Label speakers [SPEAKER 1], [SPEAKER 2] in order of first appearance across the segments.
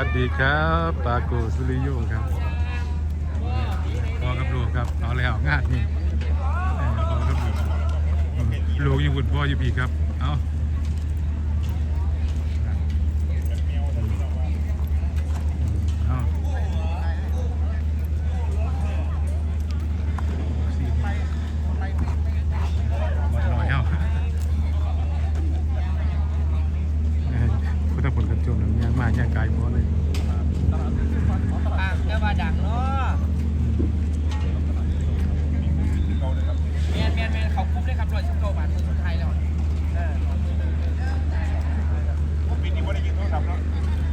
[SPEAKER 1] วัสดีครับปาโกสุริโยครับพ่อกับลูกครับเอาแล้วงานนี่พ่อกับลูกอยู่บุญพ่ออยู่พี่ครับเอาพุทธผลกันจมย่างมาย่างกายพอเลย
[SPEAKER 2] แค่ว่าดังเนาะแมนเขาคุ้มเลยครับรวยชุดโตบาทมือคนไทยแล้ว
[SPEAKER 3] ปีนี้ว่าได้ยินโทรศัพท์แล้ว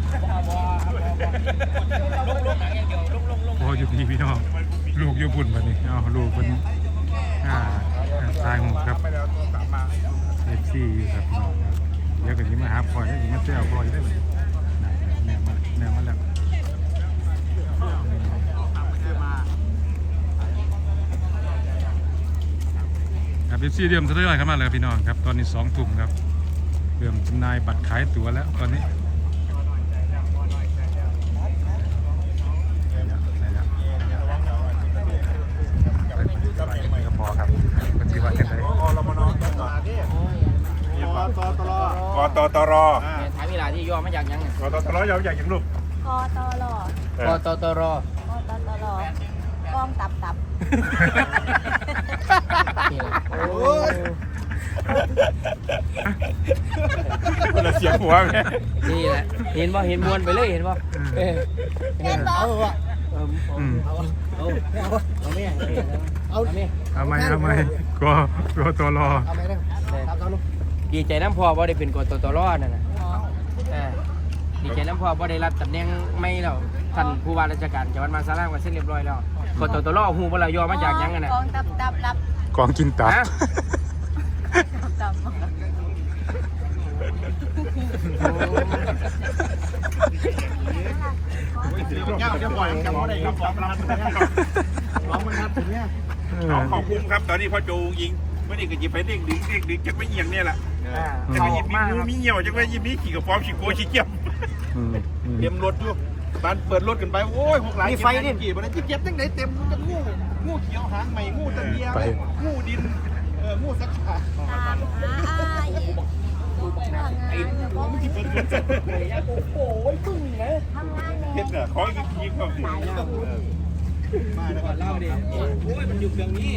[SPEAKER 2] ลงหนังอย่างเดียวลง
[SPEAKER 1] พออยู่พี่น้องลูกอยู่บุญแบบนี้เอาลูกเป็นตายหมดครับเอฟซีอยู่ครับพี่น้องเดี๋ยวก็ยิ้มมาหาพลอยแล้วยิ้มมาเจ้าพลอยได้เลยแนวมาแล้วครับเอฟซีเดิมเรื่อยๆครับมาเลยพี่น้องครับตอนนี้2 ทุ่มครับเริ่มจำหน่ายบัตรขายตั๋วแล้วตอนนี้ก็พอครับก็ถือว่าเห็นได้
[SPEAKER 3] กตร
[SPEAKER 2] ถามเวลาที่ย่อมาจากยังไง
[SPEAKER 3] กตรย่อมาจากยังลูก
[SPEAKER 4] กตร
[SPEAKER 2] กตร
[SPEAKER 4] กองตับ
[SPEAKER 3] โอ้ยคนละเสียงหัวแม่
[SPEAKER 2] นี่แหละเห็นป่ะเห็นมวนไปเลยเห็นป่ะ
[SPEAKER 4] เห็นบ่
[SPEAKER 1] เอาไหมกตร
[SPEAKER 2] ดีใจน้ำพอว่าได้เป็นกตรนั่นน่ะดีใจน้ำพอว่าได้รับตำแหน่งไม่แล้วท่านผู้ว่าราชการจังหวัดมหาสารคามก็เสร็จเรียบร้อยแล้วกตรหูบ่ละย่อมาจากยังไงน่ะ
[SPEAKER 4] กองตับรับ
[SPEAKER 1] กองกินตับ
[SPEAKER 4] ตับ
[SPEAKER 3] ขอบคุณครับตอนนี้พ่อโจยิงไม่ได้ก็ยิบไปเด้งดึงจะไม่เอียงเนี่ยแหละจะไม่ยิบมีเหี่ยวจะไม่ยิบมีขี่กับฟอมขี่โก้ขี่เกี่ยมเตรียมรถอยู่บ้านเปิดรถกันไปโอ้ย6 หลายมีไฟนี่กี่วันนั้นเก็บตั้งไหนเต็มมันจะงูเขียวหางใหม่งูตะเกียบงูดินงูสักขา
[SPEAKER 4] ไอ้
[SPEAKER 3] ไม่กี่เป็น
[SPEAKER 2] โอ้ยพึ่งนะ
[SPEAKER 4] ทำงาน
[SPEAKER 3] เฮ็ดขออีกทีก็ดี
[SPEAKER 2] มาแล้วก่อนเล่าดิโอ้ยมันอยู่เครื่องนี้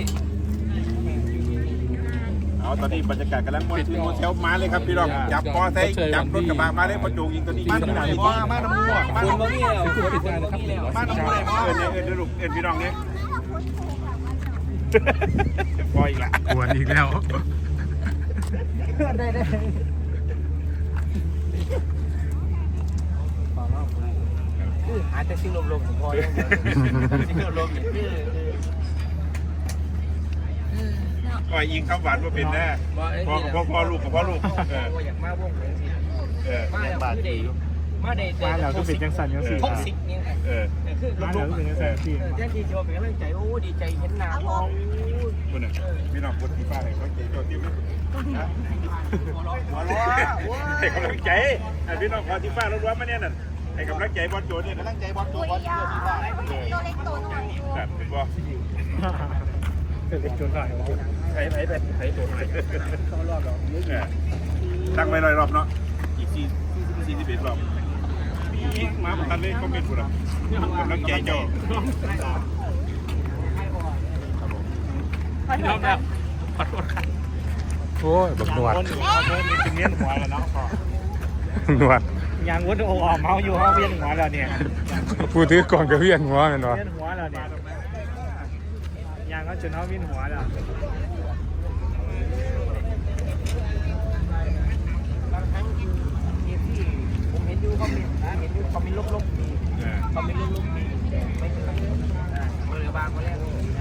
[SPEAKER 3] ตอนนี้บรรยากาศกำลังมวนชื่นมวนเซลมาเลยครับพี่น้องจับปอไซจับรถกระบะมาเลยพอโจงยิงตัวนี้มาหน่อยมาน้ำมั่วมาน้ำมั่วมาน้ำมั่วเดี๋ยวลูกพี่น้องเนี่ยปล่อยอีกละ
[SPEAKER 1] กวนอีกแล้ว
[SPEAKER 2] ได้หาแต่สิ่งลมๆของพ่อยังสิ่งลมๆเนี่ย
[SPEAKER 3] ปล่อยยิงข้าวหวานมาเป็นแน่พ่อลูกกับพ่อลูก
[SPEAKER 2] อยากมาวงเหมือนสิมาแล้วมาแล้ว
[SPEAKER 1] ก็เป็นจังสันยังสี่
[SPEAKER 2] ท็อกซิกเนี่ยคือลมๆเป็นจังสันที่แจ้งทีโจเป็นกำลังใจโอ้ดีใจเห็นหน้าพ่อ
[SPEAKER 3] คุณน่ะพี่น้องคนที่ฟ้าให้เขาใจโจทย์ที่ไม่ให้กำลังใจพี่น้องคนที่ฟ้าร้อนๆมาเนี่ยน่ะให้กำลังใจบอลโจเนี่ยกำลังใจบอลโจที่ฟ้า
[SPEAKER 4] ตัวเล็กตัวน้อย
[SPEAKER 3] แบบเป็นบ่
[SPEAKER 1] เป็นจนหน่อย
[SPEAKER 3] ไอ้ตัวไหนเข้ารอบเราตั้งไว้100 รอบเนาะอีก41 รอบมาประทันเลยก็เป็นผู้รับกำลังใจเจ้า
[SPEAKER 2] พี่น้องแบบขอโทษครับ
[SPEAKER 1] โอ้ยบักหนวด
[SPEAKER 3] เป็นเลี้ยงหัวแล้วเนาะ
[SPEAKER 1] หนวด
[SPEAKER 2] ยังวุ้นโอ้อเมาอยู่เขาเวียนหัวแล้วเนี่ย
[SPEAKER 1] ผู้ถือกล่องกับเวียนหัวเหมือนวะ
[SPEAKER 2] เวียนหัวแล้วเนี่ยยังก็จนเขาเวียนหัวแล้วบางครั้งที่ผมเห็นอยู่เขามีลบๆดีเขามีลบๆดีไม่ใช่มือบางคนแรก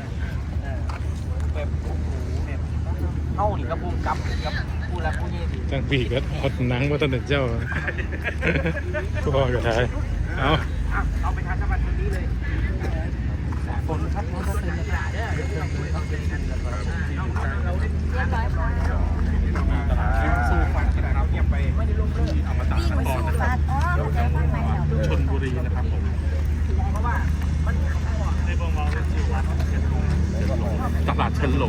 [SPEAKER 2] แบบโอ้โหแบบเข้าดิกับภูมิกับผู้รับผู้ยี่ดี
[SPEAKER 1] จังปีก็อดหนังมาตั้งแต่เจ้าพ่อก็ได้
[SPEAKER 2] เอาไปทานสวัสดิ์วันนี้เลยฝนพัดรถเต็มกระดาษเนี่ย
[SPEAKER 3] สู้ฟันกระดาษเราเงียบไปเอามาตัดขั้นตอนชนบุรี
[SPEAKER 5] นะครับผมตลาดเชิญหลง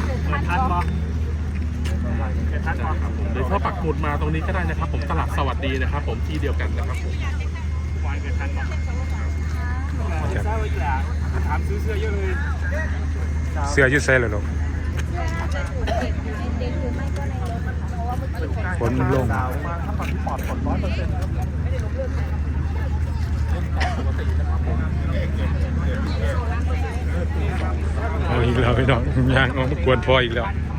[SPEAKER 5] หรือถ้าปักหมุดมาตรงนี้ก็ได้นะครับผมตลาดสวัสดีนะครับผมที่เดียวกันนะครับผม
[SPEAKER 3] ถามซื้อเสื้อเยอะเลย
[SPEAKER 1] เสื้อยืดเส้นเลยลูก
[SPEAKER 4] เด็กหรือไม่ก็ในรถนะคะเพราะว่าเมื่อกี้
[SPEAKER 1] ฝนมันลงเอาอีกแล้วพี่น้องยางเอามากวนพออีกแล้ว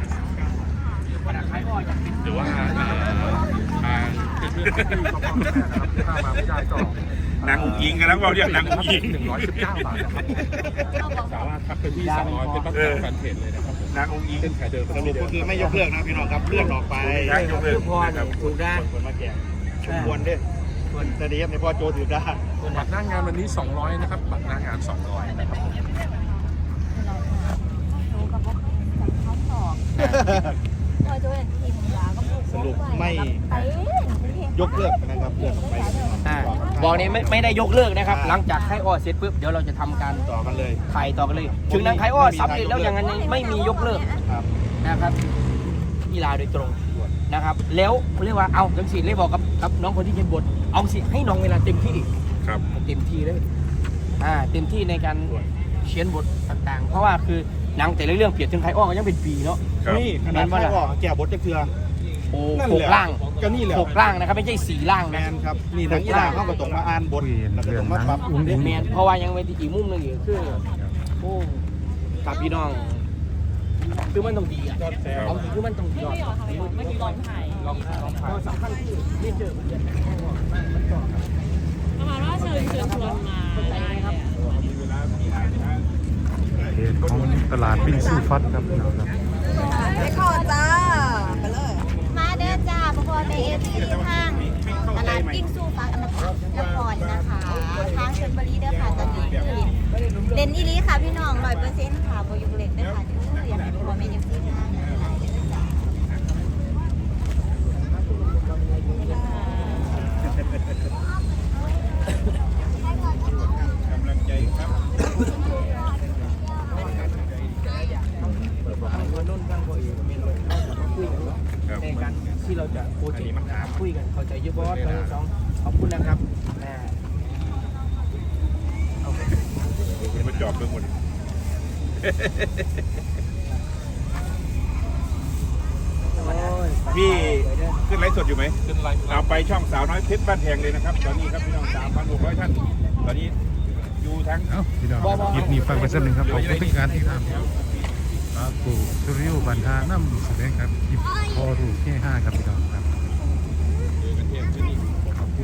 [SPEAKER 5] หรือว่าทาง
[SPEAKER 3] นางอุ้งอิงกันแล้วเราเรียกนางอุ้งอิง
[SPEAKER 5] 119 บาทนะครับสามารถทักไปที่200เป็นแฟนเพจเลยนะครับผม
[SPEAKER 3] นางอุ้งอิง
[SPEAKER 5] เส้นขายเดิม
[SPEAKER 6] สรุปก็คือไม่ยกเลิกนะพี่น้องครับเลื่อนออกไป
[SPEAKER 3] ได้ยกเลิก
[SPEAKER 2] พ่อเนี่ยถูกได้
[SPEAKER 6] คนมาแก่ชมวนด้วยแต่ดีครับในพ่อโจถือได้
[SPEAKER 5] บัตรหน้างานวันนี้200นะครับบัตรหน้างาน200นะครับผม
[SPEAKER 4] รู้กับว่าเขาสอบพอจะเป็นทีมยาก็
[SPEAKER 6] สรุปไม่ยกเลิกนะครับเลื่อนออกไป
[SPEAKER 2] บอกนี้ไม่ได้ยกเลิกนะครับ หลังจากไข้อ้อเสร็จปุ๊บเดี๋ยวเราจะทำการ
[SPEAKER 6] ต่อกันเลย
[SPEAKER 2] ถ่ายต่อกันเลยถึงนางไข้อ้อสำเร็จแล้วอย่างนั้นไม่มียกเลิก
[SPEAKER 6] ครับ
[SPEAKER 2] นะครับกีฬาโดยตรงนะครับ แล้วเรียกว่าเอาจังสิเลยบอกกับน้องคนที่เขียนบทเอาสิให้น้องเวลาเต็มที่
[SPEAKER 3] ครับ
[SPEAKER 2] เต็มที่เลยเต็มที่ในการเขียนบทต่างๆ เพราะว่าคือหนังแต่ละเรื่องเปรียบถึงไข้อ้อก็ยังเป็นปีเนาะ
[SPEAKER 6] นี่ขนาดไม่ออกแก่บทจะเทือ
[SPEAKER 2] โอ้
[SPEAKER 6] นั่น
[SPEAKER 2] ห
[SPEAKER 6] แห
[SPEAKER 2] ก
[SPEAKER 6] ละ
[SPEAKER 2] ล่าง
[SPEAKER 6] ก็นี่แหละ
[SPEAKER 2] หกล่างนะครับไม่ใช่สี่ล่าง
[SPEAKER 6] แม
[SPEAKER 2] นะ
[SPEAKER 6] นครับนี่ทั้งอีหลาเขาก็ต้องมาอ่านบท
[SPEAKER 1] คุย
[SPEAKER 6] แล้วก็
[SPEAKER 1] เรื่อ
[SPEAKER 6] ต้
[SPEAKER 1] ง
[SPEAKER 6] องมา
[SPEAKER 1] นั้
[SPEAKER 6] ปรับ
[SPEAKER 1] นอุ้งอิง
[SPEAKER 2] แมนเพราะว่ายังไม่ที่อีกมุมหนึงอีกคือโอ้กับพี่น้องคือมันต้องดีอ่ะเอาคือมันต้องดีก่อนไม่กี่ลองถ่ายลองถ่ายสำคัญคือไม่เจอมันจะ
[SPEAKER 7] ประมาณว่าเชิญชวนมาได้ครับ
[SPEAKER 1] เพจของตลาดวิ่งสู้ฟัดครับพี่น้องครับ
[SPEAKER 4] ไปขอจ้าไปเลยมาเด้อจ้าพอในเอฟซีห้างตลาดปิ้งสู้ฟักอมตะนครนะคะทางชลบุรีเด้อค่ะตอนนี้คือเล่นอีลีค่ะพี่น้อง100%ค่ะโบยุกเล่นเด้อค่ะเดี๋ยวอยากให้พอเมนูที่ห้างหลายเด้อจ้าก
[SPEAKER 3] ำลังใจครับ
[SPEAKER 2] ในการที่เราจะโปรเจกต์คุยกันเข้าใจเยอะบอสทั้งสองขอบคุณนะครับ
[SPEAKER 3] มันจอบเรื่องหมดพี่ขึ้นไลฟ์สดอยู่ไหม
[SPEAKER 5] ขึ้นไลฟ์
[SPEAKER 3] เอาไปช่องสาวน้อยเพชรบ้านแพงเลยนะครับ ตอนนี้ครับพี่น้อง 3,600 ท่าน ตอนนี้อยู่ทั้ง
[SPEAKER 1] เอ้าพี่น้องคลิปนี้ฟังไปสักหนึ่งครับขอบคุณทุกการที่ทำปาปูสุริยุบันทาน้ำแสดงครับคลิปพอรูปแค่5ครับพี่น้องครับ